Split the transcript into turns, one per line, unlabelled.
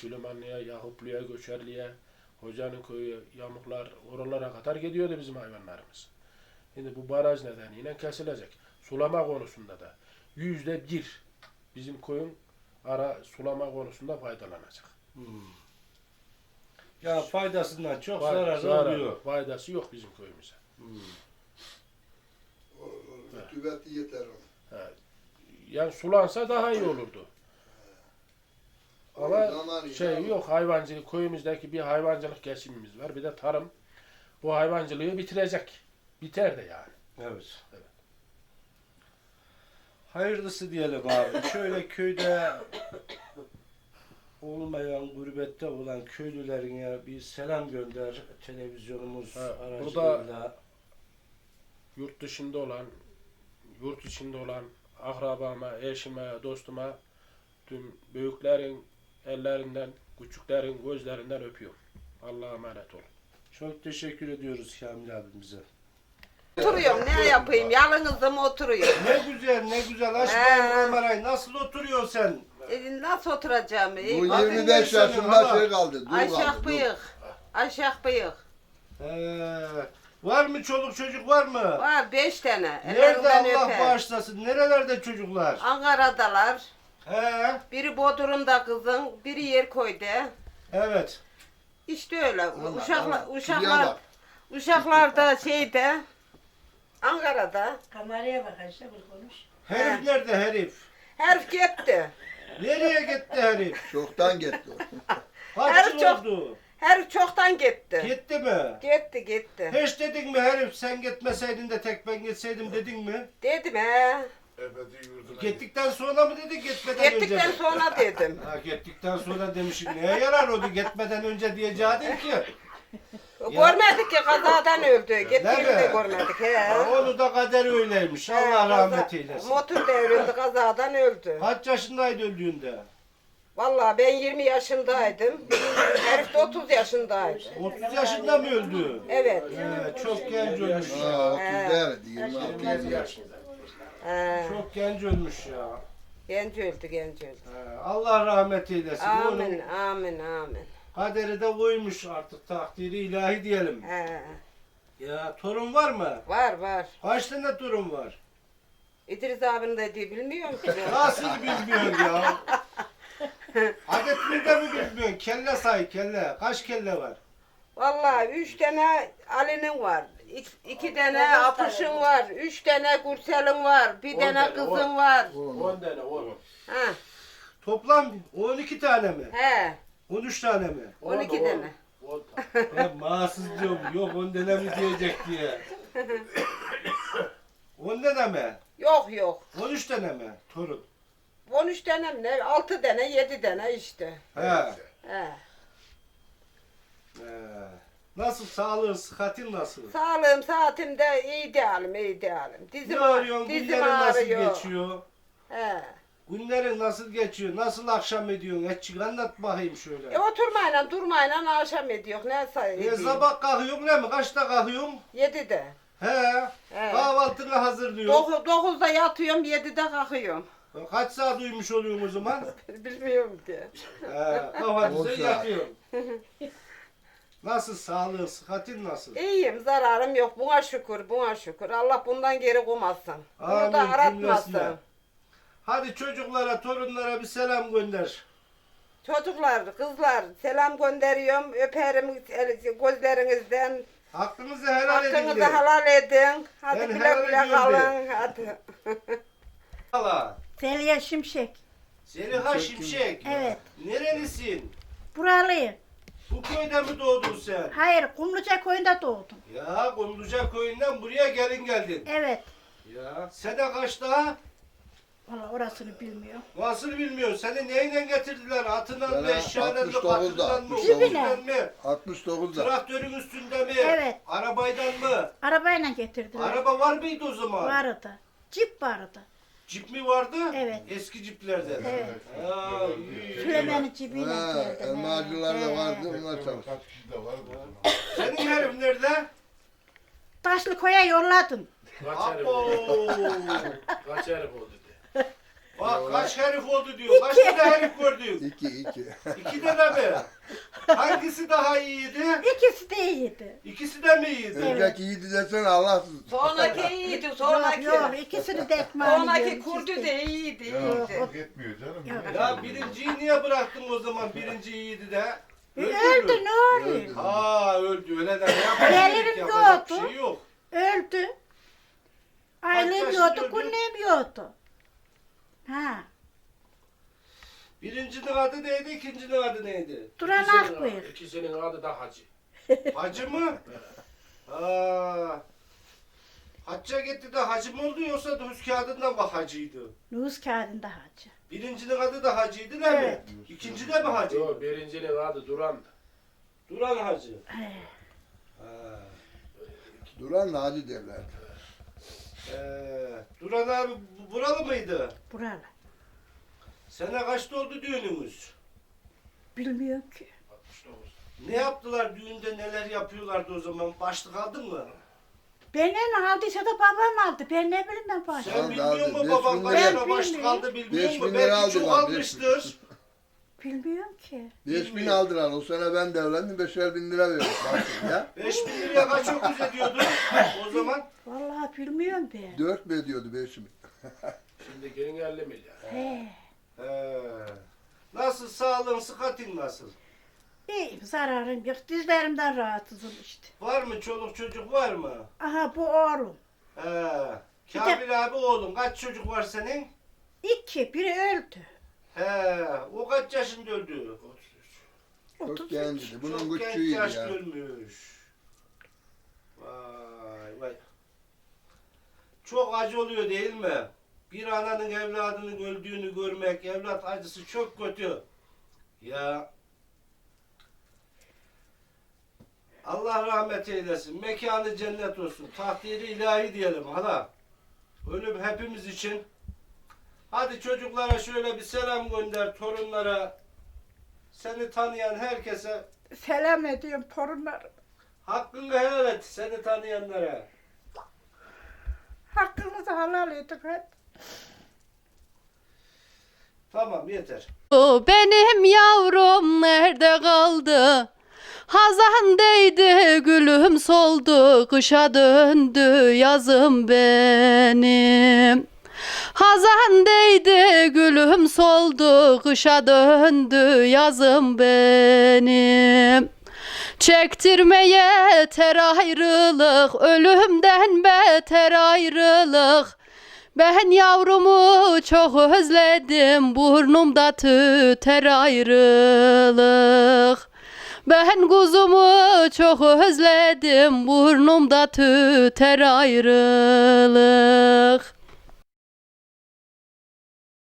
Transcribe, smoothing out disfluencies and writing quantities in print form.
Süleymanlı'ya, Yakuplu'ya, Göçerli'ye, Hocanın köyü, Yamuklar, oralara kadar gidiyordu bizim hayvanlarımız. Şimdi bu baraj nedeniyle kesilecek. Sulama konusunda da %1 bizim köyün sulama konusunda faydalanacak.
Ya faydasından çok zararı oluyor.
Faydası yok bizim köyümüze.
Rütubet yeter ona.
Yani sulansa daha iyi olurdu. Ama
Zaman
yok, hayvancılık, köyümüzdeki bir hayvancılık geçimimiz var. Bir de tarım. Bu hayvancılığı bitirecek. Biter de yani.
Evet. Hayırlısı diyelim abi. Şöyle köyde olmayan, gurbette olan köylülerine bir selam gönder. Televizyonumuz aracılığıyla.
Burada yurt dışında olan, yurt içinde olan akrabama, eşime, dostuma, tüm büyüklerin ellerinden, küçüklerin gözlerinden öpüyorum. Allah'a emanet olun.
Çok teşekkür ediyoruz Kamil abimize.
Oturuyorum, ne yapayım? Yalnızım oturuyorum.
Ne güzel, ne güzel. Aç kamerayı. Nasıl oturuyorsun sen?
Nasıl oturacağım?
Bu
Hadi
25
neyse,
yaşında
hala.
şey kaldı. Dur
Aşağı
kaldı, dur.
bıyık. Aşağı bıyık.
Var mı çoluk çocuk var mı?
Var 5 tane.
Nerede
Ellerinden
Allah
öper.
bağışlasın? Nerelerde çocuklar?
Ankara'dalar.
He,
Biri Bodrum'da kızın, biri Yerköy'de.
evet.
İşte öyle.
Allah.
Uşaklar da şeyde. Ankara'da.
Kameraya bak işte bu konuş.
Herif nerede herif?
Herif gitti.
Nereye gitti herif?
Çoktan gitti o.
Kaç yıl
çok-
oldu?
Herif çoktan gitti.
Gitti mi?
Gitti.
Hiç dedin mi herif sen gitmeseydin de tek ben gitseydim dedin mi?
Dedim he.
Gittikten sonra mı dedin gitmeden önce
Gittikten
mi?
sonra dedim.
Ha, gittikten sonra demişim neye yarar oldu gitmeden önce diyeceğim ki.
Görmedik ki kazadan öldü. Gittiğini de
Nerede?
görmedik he.
Ha, onu da kader öyleymiş. Allah rahmet eylesin.
Motor devrildi, kazadan öldü.
Kaç yaşındaydı öldüğünde?
Vallahi ben 20 yaşındaydım. Herif de 30 yaşındaydı.
30 yaşında mı öldü?
Evet.
Çok genç ölmüş ya.
Ha, 30 değerdi. 26 yaşında.
Çok genç ölmüş ya.
Genç öldü.
Allah rahmet eylesin.
Amin,
Onun
amin.
kaderi de koymuş artık takdiri ilahi diyelim.
He.
Ya torun var mı?
Var.
Kaç tane torun var?
İdris abinin dediği bilmiyorum ki. ben.
Nasıl bilmiyorsun ya? Adetini de mi bilmiyorsun? Kelle say kelle. Kaç kelle var?
Vallahi 3 tane Ali'nin var. 2 tane Apış'ın var. 3 tane Gürsel'in var. Bir
10
tane
tane,
kızın var.
10 tane, 10.
Ha.
Toplam 12 tane mi?
He.
13 tane mi?
12 tane.
10 tane.
Ben mağsız diyorum. Yok 10 tane mi diyecek diye. 10 tane mi?
Yok.
13 tane mi? Torun.
13 tane mi ne? 6 tane, 7 tane işte.
He.
He.
Nasıl sağlığın, sıhhatin nasıl?
Sağlığım, saatim de iyi değilim.
Ne arıyorsun?
Dizim
Günlerin nasıl
ağrıyor.
geçiyor?
He.
Günlerin nasıl geçiyor? Nasıl akşam ediyorsun? Etçik anlat bakayım şöyle.
Oturmayla durmayla akşam ediyor. Ne sayıyor?
Sabah kalkıyorsun değil mi? Kaçta kalkıyorsun?
7'de.
He. Kahvaltını hazırlıyorsun.
9'da yatıyorum, 7'de kalkıyorum.
Kaç saat uyumuş oluyorsun o zaman?
Bilmiyorum ki.
Kahvaltını
10 saat.
yatıyorsun. Nasıl sağlığın, sıhhatin nasıl?
İyiyim, zararım yok. Buna şükür. Allah bundan geri koymasın. Bunu da
Amin,
aratmasın.
cümlesine. Hadi çocuklara, torunlara bir selam gönder.
Çocuklar, kızlar selam gönderiyorum. Öperim gözlerinizden.
Hakkınızı helal edin.
Hakkınızı
de.
helal edin. Hadi
Ben
güle
helal
güle
ediyorum
kalın. Hadi.
Hala.
Zeliha Şimşek.
Zeliha Şimşek.
Evet.
Nerelisin?
Buralıyım.
Bu köyde mi doğdun sen?
Hayır, Kumluca köyünde doğdum.
Ya Kumluca köyünden buraya gelin geldin.
Evet.
Ya sene kaçta?
Valla orasını bilmiyorum.
Nasıl bilmiyorsun? Seni neyle getirdiler? Atından mı,
Bana
eşyalarla mı,
69'da,
katından mı,
69'da.
otobüsten mi?
69'da.
Traktörün üstünde mi?
Evet.
Arabaydan mı?
Arabayla getirdiler.
Araba var mıydı o zaman?
Vardı. Cip vardı.
Cip mi vardı?
Evet.
Eski ciplerden.
Evet.
Ha, iyi.
Süleyman'ın cibiyle
Ha,
geldim.
elmacılar da vardı. Onlar çalıştı.
Senin herif nerede?
Taşlı koya yolladım.
Kaç herif
Abo!
oldu? Kaç herif oldu de.
Bak kaç herif oldu diyor. Kaç tane herif gördün?
2.
İki tane mi? Hangisi daha iyiydi?
İkisi de iyiydi.
İkisi de mi iyiydi?
Önceki iyiydi desene Allahsız.
Sonraki iyiydi,
Yok
sonraki.
yok ikisini de ekmeğini
Sonraki
yiyorum,
kurdu
ikisi
de iyiydi,
Ya
iyiydi.
fark etmiyor canım.
Yok.
Ya birinciyi niye bıraktın o zaman? Birinci iyiydi de.
Öldü
mü?
ne oluyor?
Ha öldü öyle de ne
Gelirim
yapacak? Yapacak bir
yoktu.
şey yok.
Öldü. Ailem
yaşında
yoktu,
öldü?
günlüğüm yoktu. Ha.
Birincinin adı neydi? İkincinin adı neydi?
Duran Akbıyık.
İkisinin adı da Hacı.
Hacı mı? Aa. Hacca gitti de hacı mı oldu yoksa nüfus kağıdından mı hacıydı?
Nüfus kağıdında hacı.
Birincinin adı da hacıydı değil mi?
Evet.
İkinci de mi hacı?
Yok, birincinin adı Duran'dı.
Duran hacı.
He.
Ha.
Duran da hacı derler.
Duran abi buralı mıydı?
Buralı.
Sene kaçta oldu düğünümüz?
Bilmiyorum ki.
69.
Ne yaptılar düğünde, neler yapıyorlardı o zaman? Başlık aldın mı?
Benden aldıysa da babam aldı. Ben ne bileyim ben başka.
Sen
Aldı,
bilmiyor
aldı.
musun
5.000
babam
lira.
kaçta
Ben
başlık
bilmiyorum.
aldı bilmiyor
5.000
musun?
lira
Belki çok
aldılar,
almıştır.
Bilmiyorum ki.
5.000 aldılar. O sene ben de evlendim. 5.000 lira verdim. Bakın ya.
5.000 liraya kaç öküz ediyordu o zaman?
Vallahi bilmiyorum ben.
4 mi ediyordu 5.000?
Şimdi gelin 50 milyar.
He.
Nasıl sağlığın, sıhhatin nasıl?
İyiyim, zararım yok. Dizlerimden rahatsızım işte.
Var mı çoluk çocuk var mı?
Aha bu oğlum.
Kamil abi oğlum kaç çocuk var senin?
2, biri öldü.
O kaç yaşında öldü?
33.
Çok
33.
genciydi. Bunun
Çok genç
küçüğüydü
yaşta
ya.
ölmüş. Vay vay. Çok acı oluyor değil mi? Bir ananın evladının öldüğünü görmek, evlat acısı çok kötü. Ya. Allah rahmet eylesin. Mekanı cennet olsun. Takdiri ilahi diyelim hala. Ölüm hepimiz için. Hadi çocuklara şöyle bir selam gönder, torunlara. Seni tanıyan herkese
Selam ediyorum torunlarım.
hakkını helal et, seni tanıyanlara.
Hakkınızı helal edin hep.
Tamam yeter.
O benim yavrum nerede kaldı? Hazan değdi, gülüm soldu, kışa döndü yazım benim. Hazan değdi, gülüm soldu, kışa döndü yazım benim. Çektirmeye yeter ayrılık, ölümden beter ayrılık. Ben yavrumu çok özledim, burnumda tüter ayrılık. Ben kuzumu çok özledim, burnumda tüter ayrılık.